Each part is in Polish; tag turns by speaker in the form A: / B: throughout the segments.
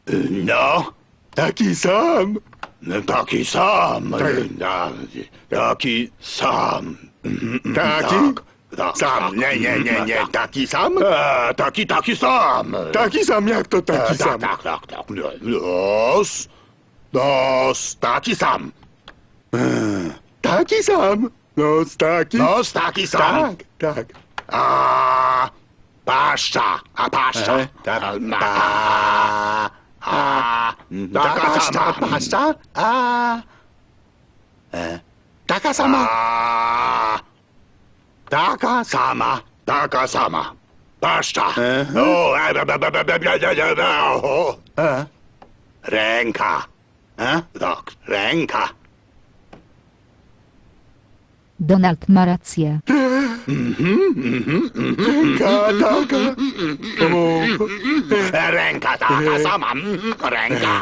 A: No,
B: Taki sam.
A: taki sam. Taki sam.
B: Taki?
A: Tak,
B: Sam. Nie. Taki sam?
A: Taki sam.
B: Taki sam, jak to taki sam?
A: Tak. Nos, taki sam.
B: Taki sam. Nos taki.
A: Nos, taki sam.
B: Tak.
A: A paszcza.
B: Tak.
A: Taka sama.
B: Paszcza? Taka sama.
A: Taka sama. Paszcza. Ręka. Tak, ręka.
C: Donald ma rację.
B: Taka.
A: Ręka taka sama. Ręka.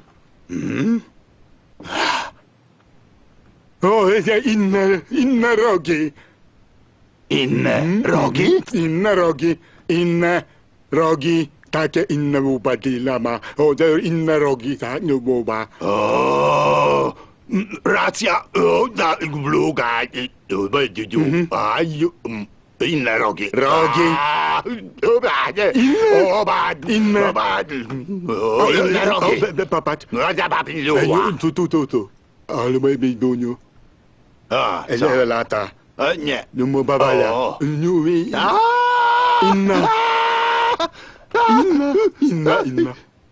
B: O, inne rogi.
A: Inne rogi?
B: Inne rogi. Inne rogi. Takie inne łupatila ma. O, te inne rogi, tak, nie buba.
A: O, racja. Bluga. Inne rogi.
B: Rogi. Inne.
A: Inne rogi.
B: Popatrz. Tu. Ale moje biduniu.
A: A, co?
B: Ele lata.
A: Nie.
B: No mo babala.
A: O.
B: Inna. Inna.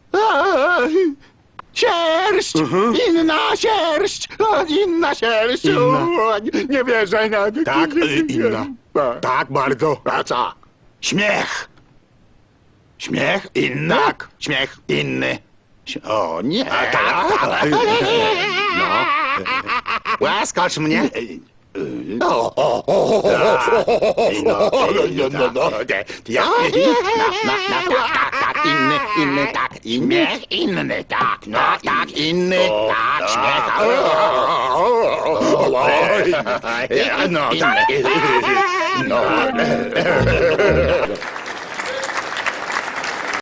A: Sierść! Inna sierść! Inna sierść! Nie wierzę na...
B: Tak, inna. Tak, bardzo.
A: A co? Śmiech! Śmiech inny? Tak. Śmiech inny. O nie! Tak. No. Łaskocz mnie. No. Tak, inny, tak. Śmiech inny, tak. No, tak, inny, tak, śmiech. No, tak. No.